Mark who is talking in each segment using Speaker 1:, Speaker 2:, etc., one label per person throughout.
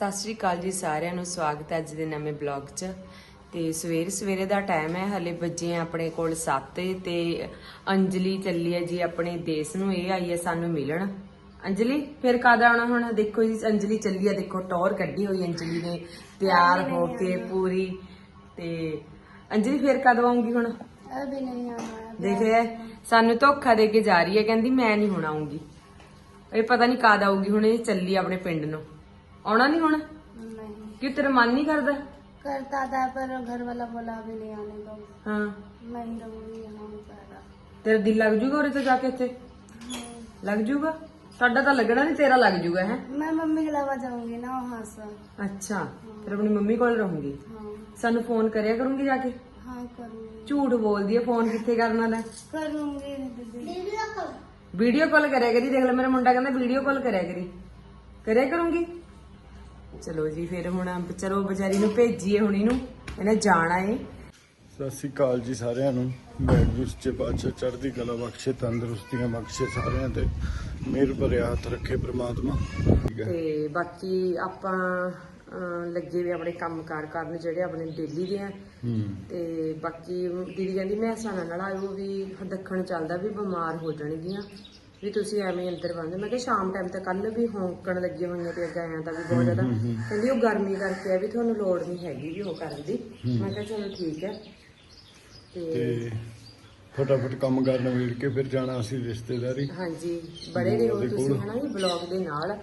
Speaker 1: ਸਤਿ ਸ਼੍ਰੀ ਅਕਾਲ ਜੀ ਸਾਰਿਆਂ ਨੂੰ ਸਵਾਗਤ ਹੈ ਅੱਜ ਦੇ ਨਵੇਂ ਬਲੌਗ 'ਚ। ਤੇ ਸਵੇਰੇ ਦਾ ਟਾਈਮ ਹੈ, ਹਲੇ ਵੱਜੇ ਆ ਆਪਣੇ ਕੋਲ 7 ਤੇ ਅੰਜਲੀ ਚੱਲੀ ਹੈ ਜੀ ਆਪਣੇ ਦੇਸ਼ ਨੂੰ। ਇਹ ਆਈ ਹੈ ਸਾਨੂੰ ਮਿਲਣ। ਅੰਜਲੀ ਫਿਰ ਕਦ ਆਉਣਾ ਹੁਣ? ਦੇਖੋ ਜੀ ਅੰਜਲੀ ਚੱਲੀ ਹੈ, ਦੇਖੋ ਟੌਰ ਕੱਢੀ ਹੋਈ ਅੰਜਲੀ ਨੇ ਤਿਆਰ ਹੋ ਕੇ ਪੂਰੀ। ਤੇ ਅੰਜਲੀ ਫਿਰ ਕਦ ਆਉਂਗੀ ਹੁਣ?
Speaker 2: अभी नहीं आना।
Speaker 1: ਦੇਖਿਆ ਸਾਨੂੰ ਧੋਖਾ ਦੇ ਕੇ ਜਾ ਰਹੀ ਹੈ, ਕਹਿੰਦੀ ਮੈਂ ਨਹੀਂ ਹੁਣ ਆਉਂਗੀ। ਇਹ ਪਤਾ ਨਹੀਂ ਕਦ ਆਊਗੀ ਹੁਣ। ਇਹ ਚੱਲੀ ਆਪਣੇ ਪਿੰਡ ਨੂੰ। ਆਉਣਾ ਨਹੀਂ ਹੁਣ?
Speaker 2: नहीं
Speaker 1: ਕਿ ਤੇਰਾ ਮਨ ਨਹੀਂ ਕਰਦਾ?
Speaker 2: करता था पर घर वाला बोला अभी नहीं आने दो।
Speaker 1: ਹਾਂ
Speaker 2: मैं ही रहूंगी यहाँ पर।
Speaker 1: ਤੇਰਾ ਦਿਲ ਲੱਗ ਜੂਗਾ ਉਰੇ ਤੋਂ ਜਾ ਕੇ? ਇੱਥੇ ਲੱਗ ਜੂਗਾ? ਸਾਡਾ ਤਾਂ ਲੱਗਣਾ ਨਹੀਂ, ਤੇਰਾ ਲੱਗ ਜੂਗਾ। ਹੈ
Speaker 2: मैं मम्मी के अलावा जाऊंगी ना वहाँ से।
Speaker 1: ਅੱਛਾ, ਫਿਰ ਆਪਣੀ ਮੰਮੀ ਕੋਲ ਰਹੂੰਗੀ।
Speaker 2: हाँ
Speaker 1: ਸਾਨੂੰ ਫੋਨ ਕਰਿਆ ਕਰੂੰਗੀ ਜਾ ਕੇ।
Speaker 2: हाँ करूंगी
Speaker 1: ਝੂਠ ਬੋਲਦੀ ਹੈ, ਫੋਨ ਕਿੱਥੇ ਕਰਨਾ ਲੈ।
Speaker 2: करूंगी दीदी।
Speaker 1: ਵੀਡੀਓ ਕਾਲ ਕਰਿਆ ਕਰੀ। ਦੇਖ ਲੈ ਮੇਰਾ ਮੁੰਡਾ ਕਹਿੰਦਾ ਵੀਡੀਓ ਕਾਲ ਕਰਿਆ ਕਰੀ। ਕਰਿਆ ਕਰੂੰਗੀ। ਚਲੋ ਜੀ ਫਿਰ ਹੁਣ ਚਲੋ ਵਿਚਾਰੀ ਨੂੰ ਭੇਜੀਏ ਹੁਣ, ਇਹਨੂੰ ਇਹਨੇ ਜਾਣਾ ਏ।
Speaker 3: ਸਤਿ ਸ੍ਰੀ ਅਕਾਲ ਜੀ ਸਾਰਿਆਂ ਨੂੰ। ਵਾਹਿਗੁਰੂ ਸੱਚੇ ਪਾਤਸ਼ਾਹ ਚੜ੍ਹਦੀ ਕਲਾ ਬਖਸ਼ੇ, ਤੰਦਰੁਸਤੀਆਂ ਬਖਸ਼ੇ, ਸਾਰਿਆਂ ਤੇ ਮਿਹਰ ਭਰਿਆ ਹੱਥ ਰੱਖੇ ਪ੍ਰਮਾਤਮਾ। ਠੀਕ ਹੈ।
Speaker 1: ਤੇ ਬਾਕੀ ਆਪਾਂ ਲੱਗੇ ਵੀ ਆਪਣੇ ਕੰਮਕਾਰ ਕਰਨ ਜਿਹੜੇ ਆਪਣੇ ਡੇਲੀ ਦੇ ਆ। ਤੇ ਬਾਕੀ ਦੀਦੀ ਕਹਿੰਦੀ ਮੈਂ ਸਾਨਾ ਨਾਲ ਆਇਓ ਵੀ ਦੱਖਣ ਚੱਲਦਾ ਵੀ ਬਿਮਾਰ ਹੋ ਜਾਣਗੀਆਂ ਵੀ ਤੁਸੀਂ ਐਵੇਂ ਅੰਦਰ ਬੰਦ। ਮੈਂ ਕਿਹਾ ਸ਼ਾਮ ਟਾਈਮ ਤੇ ਕੱਲ ਵੀ ਹੋਂਕਣ ਲੱਗੀ ਹੋਈਆਂ ਤੇ ਗਾਇਆਂ ਦਾ ਵੀ ਬਹੁਤ ਜ਼ਿਆਦਾ। ਕਹਿੰਦੀ ਉਹ ਗਰਮੀ ਕਰਕੇ ਆ ਵੀ ਤੁਹਾਨੂੰ ਲੋੜ ਨਹੀਂ ਹੈਗੀ ਵੀ ਉਹ ਕਰਨ ਦੀ। ਮੈਂ ਕਿਹਾ ਚਲੋ ਠੀਕ ਹੈ।
Speaker 3: ਤੇ ਫਟਾਫਟ ਕੰਮ ਕਰਨ ਵੇੜ ਕੇ ਫਿਰ ਜਾਣਾ ਅਸੀਂ ਰਿਸ਼ਤੇਦਾਰੀ।
Speaker 1: ਹਾਂਜੀ ਬੜੇ ਰਹੋ ਤੁਸੀਂ ਹਨਾ ਜੀ ਬਲੌਗ ਦੇ ਨਾਲ।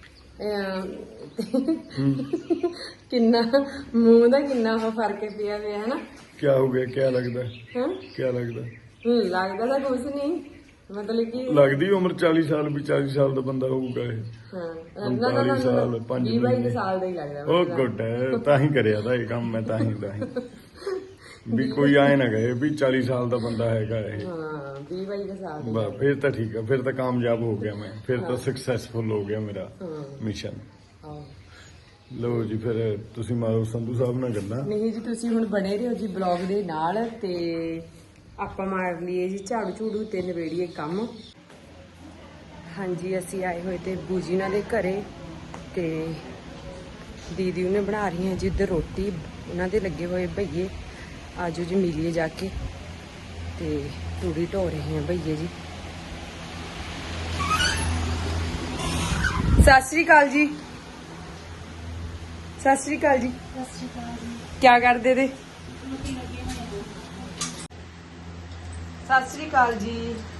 Speaker 1: ਕਿੰਨਾ ਮੂੰਹ ਦਾ ਕਿੰਨਾ ਫਰਕ ਪਿਆ ਹੋਇਆ ਹਨਾ।
Speaker 3: ਕੀ ਹੋ ਗਿਆ? ਕੀ ਲੱਗਦਾ?
Speaker 1: ਹਾਂ
Speaker 3: ਕੀ ਲੱਗਦਾ?
Speaker 1: ਲੱਗਦਾ ਤਾਂ ਕੁਝ ਨਹੀਂ, ਮਤਲਬ ਕਿ
Speaker 3: ਲੱਗਦੀ ਉਮਰ 40 ਸਾਲ ਵੀ 40 ਸਾਲ ਦਾ ਬੰਦਾ ਹੋਊਗਾ ਇਹ।
Speaker 1: ਹਾਂ
Speaker 3: 45 ਸਾਲ 5
Speaker 1: 22
Speaker 3: ਮਹੀਨੇ।
Speaker 1: ਸਾਲ ਦਾ ਹੀ ਲੱਗਦਾ
Speaker 3: ਉਹ ਗੁੱਡ ਹੈ, ਤਾਂ ਹੀ ਕਰਿਆ ਤਾਂ ਇਹ ਕੰਮ ਮੈਂ। ਤਾਂ ਹੀ ਵੀ ਕੋਈ ਆਏ ਨਾ ਗਏ ਵੀ 40 ਸਾਲ ਦਾ ਬੰਦਾ ਹੈਗਾ ਇਹ।
Speaker 1: ਹਾਂ 22 ਸਾਲ ਦਾ।
Speaker 3: ਬਸ ਫਿਰ ਤਾਂ ਠੀਕ ਆ, ਫਿਰ ਤਾਂ ਕਾਮਯਾਬ ਹੋ ਗਿਆ ਮੈਂ। ਫਿਰ ਤਾਂ ਸਕਸੈਸਫੁਲ ਹੋ ਗਿਆ ਮੇਰਾ ਮਿਸ਼ਨ।
Speaker 1: ਹਾਂ
Speaker 3: ਲੋ ਜੀ ਫਿਰ ਤੁਸੀਂ ਮਾਰੋ ਸੰਧੂ ਸਾਹਿਬ ਨਾਲ ਗੱਲਾਂ।
Speaker 1: ਨਹੀਂ ਜੀ ਤੁਸੀਂ ਹੁਣ ਬਣੇ ਰਹੋ ਜੀ ਬਲੌਗ ਦੇ ਨਾਲ। ਤੇ ਆਪਾਂ ਮਾਰ ਲਈਏ ਜੀ ਝਾੜੂ ਝੂੜੂ ਤੇ ਨਵੇੜੀਏ ਕੰਮ। ਹਾਂਜੀ ਅਸੀਂ ਆਏ ਹੋਏ ਤੇ ਬੂਜੀ ਉਹਨਾਂ ਦੇ ਘਰੇ ਤੇ ਦੀਦੀ ਉਹਨੇ ਬਣਾ ਰਹੀ ਹੈ ਜੀ ਇੱਧਰ ਰੋਟੀ। ਉਹਨਾਂ ਦੇ ਲੱਗੇ ਹੋਏ ਭਈਏ। ਆਜੋ ਜੀ ਮਿਲੀਏ ਜਾ ਕੇ। ਤੇ ਤੂੜੀ ਢੋ ਰਹੇ ਆ ਭਈਏ ਜੀ। ਸਤਿ ਸ੍ਰੀ ਅਕਾਲ ਜੀ। ਸਤਿ ਸ੍ਰੀ ਅਕਾਲ ਜੀ। ਕੀ ਕਰਦੇ ਤੇ? ਸਤਿ ਸ੍ਰੀ ਅਕਾਲ ਜੀ।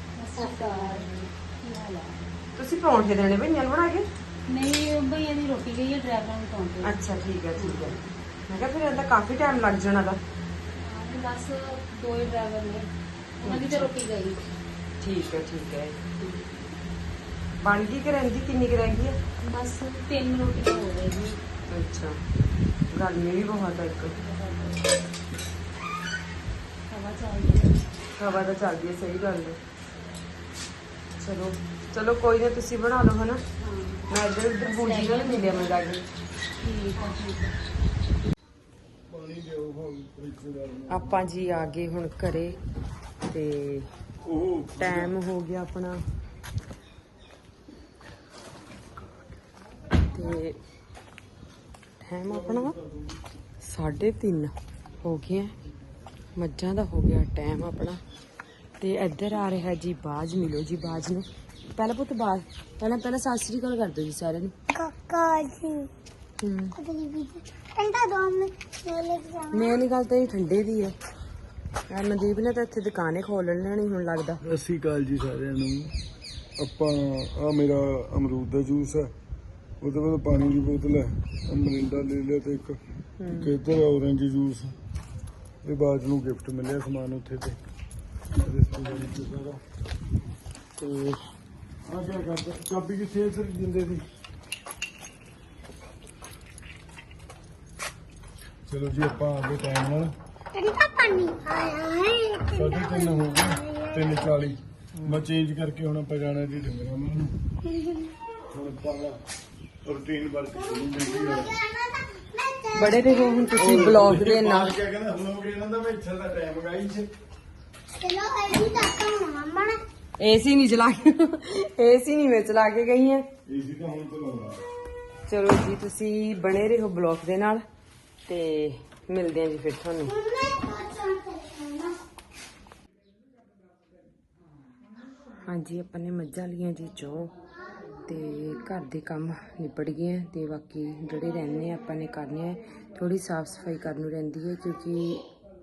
Speaker 1: ਤੁਸੀਂ ਪਰੌਂਠੇ ਦੇਣੇ ਭਈਆਂ ਨੂੰ ਬਣਾ ਕੇ?
Speaker 2: नहीं भैया दी रोटी गई है ड्राइवर ਨੂੰ ਪਹੁੰਚੇ।
Speaker 1: ਅੱਛਾ ਠੀਕ ਹੈ ਠੀਕ ਹੈ। ਮੈਂ ਕਿਹਾ ਫਿਰ ਇਹਦਾ ਕਾਫੀ ਟਾਈਮ ਲੱਗ ਜਾਣਾ ਦਾ।
Speaker 2: ਬਸ ਦੋ ਹੀ ਡਰਾਈਵਰ ਨੇ, ਉਹਨਾਂ ਦੀ ਤਾਂ ਰੋਟੀ ਗਈ।
Speaker 1: ਠੀਕ ਹੈ ਠੀਕ ਹੈ। ਬਣ ਗਈ ਕਿ ਰਹਿੰਦੀ? ਕਿੰਨੀ ਕੁ ਰਹਿ ਗਈ ਹੈ?
Speaker 2: ਬਸ 3 ਰੋਟੀਆਂ ਹੋ ਗਈ।
Speaker 1: ਅੱਛਾ ਗਰਮੀ ਵੀ ਬਹੁਤ ਹੈ। ਇੱਕ
Speaker 2: ਹਵਾ ਚੱਲਦੀ ਹੈ।
Speaker 1: ਹਵਾ ਤਾਂ ਚੱਲਦੀ ਹੈ, ਸਹੀ ਗੱਲ ਹੈ। ਚਲੋ ਚਲੋ ਕੋਈ ਨਾ, ਤੁਸੀਂ ਬਣਾ ਲਓ ਹਨਾ। ਮੈਂ ਇੱਧਰ ਉੱਧਰ ਬੂਜੀ ਨਾਲ ਮਿਲਿਆ ਮੈਂ ਜਾ ਕੇ।
Speaker 2: ਠੀਕ ਹੈ।
Speaker 1: ਆਪਾਂ ਜੀ ਆ ਗਏ ਹੁਣ ਘਰੇ ਤੇ ਟਾਈਮ ਹੋ ਗਿਆ ਆਪਣਾ ਤੇ ਟਾਈਮ ਆਪਣਾ 3:30 ਹੋ ਗਿਆ। ਮੱਝਾਂ ਦਾ ਹੋ ਗਿਆ ਟਾਈਮ ਆਪਣਾ। ਤੇ ਇੱਧਰ ਆ ਰਿਹਾ ਜੀ ਬਾਜ। ਮਿਲੋ ਜੀ ਬਾਜ ਨੂੰ। ਪਹਿਲਾਂ ਪੁੱਤ ਬਾਜ ਪਹਿਲਾਂ ਸਤਿ ਸ੍ਰੀ ਅਕਾਲ ਕਰ ਦਿਓ ਜੀ ਸਾਰਿਆਂ ਨੂੰ।
Speaker 2: ਕਾਕਾ ਜੀ ਠੰਡਾ ਦੋ
Speaker 1: ਮੇਨ ਗੱਲ ਤਾਂ ਇਹ ਠੰਡੇ ਦੀ ਹੈ। ਮਨਦੀਪ ਨੇ ਤਾਂ ਇੱਥੇ ਦੁਕਾਨੇ ਖੋਲ ਲੈਣੀ ਹੁਣ ਲੱਗਦਾ।
Speaker 3: ਸਤਿ ਸ਼੍ਰੀ ਅਕਾਲ ਜੀ ਸਾਰਿਆਂ ਨੂੰ। ਆਪਾਂ ਆ ਮੇਰਾ ਅਮਰੂਦ ਦਾ ਜੂਸ ਹੈ, ਉਹਦੇ ਬਾਅਦ ਪਾਣੀ ਦੀ ਬੋਤਲ ਹੈ, ਮਰਿੰਡਾ ਲੈ ਲਿਆ ਤੇ ਇੱਕ ਇੱਧਰ ਔਰੰਜ ਜੂਸ। ਇਹ ਬਾਜ ਨੂੰ ਗਿਫਟ ਮਿਲਿਆ ਸਮਾਨ ਉੱਥੇ ਤੇ ਰਿਸ਼ਤੇਦਾਰੀ ਚ ਸਾਰਾ। ਤੇ ਆ ਕਿਆ ਕਰਦਾ? ਚਾਬੀ ਕਿੱਥੇ ਸਰ ਦਿੰਦੇ ਸੀ? ਚਲੋ ਜੀ ਆਪਾਂ ਆ ਗਏ ਟਾਈਮ ਨਾਲ।
Speaker 2: ਠੰਡਾ ਪਾਣੀ ਆਇਆ ਹੈ।
Speaker 3: 3:30 ਹੋ ਗਏ, 3:40। ਮੈਂ ਚੇਂਜ ਕਰਕੇ ਹੁਣ ਆਪਾਂ ਜਾਣਾ ਜੀ ਡੰਗਰਾਂ ਨੂੰ। ਹੁਣ ਆਪਾਂ ਰੂਟੀਨ ਵਰਕ ਸ਼ੁਰੂ।
Speaker 1: ਬੜੇ ਰਹੋ ਹੁਣ ਤੁਸੀਂ ਬਲੌਗ ਦੇ ਨਾਲ।
Speaker 3: ਕਿਆ ਕਹਿੰਦਾ ਬਲੌਗ ਇਹਨਾਂ ਦਾ ਮੈਂ ਇੱਥੇ ਦਾ ਟਾਈਮ ਗਾਈਸ।
Speaker 2: ਚਲੋ ਐਡੀ ਤੱਕ ਮੰਮਾ ਨੇ
Speaker 1: ਏਸੀ ਨਹੀਂ ਚਲਾ ਕੇ ਏਸੀ ਨਹੀਂ ਮੈਂ ਚਲਾ ਕੇ ਗਈ ਹੈ।
Speaker 3: ਏਸੀ ਤਾਂ ਹੁਣ ਤੋਂ ਲਾਉਣਾ।
Speaker 1: ਚਲੋ ਜੀ ਤੁਸੀਂ ਬਣੇ ਰਹੋ ਬਲੌਗ ਦੇ ਨਾਲ ਤੇ ਮਿਲਦੇ ਆ ਜੀ ਫਿਰ ਤੁਹਾਨੂੰ। ਹਾਂਜੀ ਆਪਾਂ ਨੇ ਮੱਝਾਂ ਲੀਆਂ ਜੀ ਚੋ ਤੇ ਘਰ ਦੇ ਕੰਮ ਨਿਬੜ ਗਏ ਆ ਤੇ ਬਾਕੀ ਜਿਹੜੇ ਰਹਿੰਦੇ ਆਪਾਂ ਨੇ ਕਰਨੇ ਆ। ਥੋੜੀ ਸਾਫ ਸਫਾਈ ਕਰਨ ਨੂੰ ਰਹਿੰਦੀ ਹੈ ਕਿਉਂਕਿ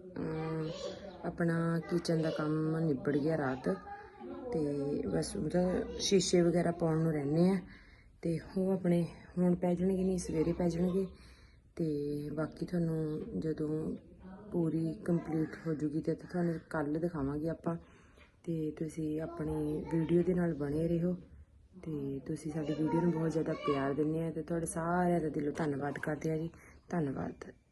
Speaker 1: ਆਪਣਾ ਕਿਚਨ ਦਾ ਕੰਮ ਨਿਬੜ ਗਿਆ ਰਾਤ ਤੇ ਬਸ ਉਹਦਾ ਸ਼ੀਸ਼ੇ ਵਗੈਰਾ ਪਾਉਣ ਨੂੰ ਰਹਿੰਦੇ ਆ ਤੇ ਉਹ ਆਪਣੇ ਹੁਣ ਪੈ ਜਾਣਗੇ, ਨਹੀਂ ਸਵੇਰੇ ਪੈ ਜਾਣਗੇ। ਤੇ ਬਾਕੀ ਤੁਹਾਨੂੰ ਜਦੋਂ ਪੂਰੀ ਕੰਪਲੀਟ ਹੋ ਜੂਗੀ ਤੇ ਤੁਹਾਨੂੰ ਕੱਲ ਦਿਖਾਵਾਂਗੇ ਆਪਾਂ। ਤੇ ਤੁਸੀਂ ਆਪਣੀ ਵੀਡੀਓ ਦੇ ਨਾਲ ਬਣੇ ਰਹੋ ਤੇ ਤੁਸੀਂ ਸਾਡੀ ਵੀਡੀਓ ਨੂੰ ਬਹੁਤ ਜ਼ਿਆਦਾ ਪਿਆਰ ਦਿੰਦੇ ਆ ਤੇ ਤੁਹਾਡੇ ਸਾਰਿਆਂ ਦਾ ਦਿਲੋਂ ਧੰਨਵਾਦ ਕਰਦੇ ਆ ਜੀ। ਧੰਨਵਾਦ।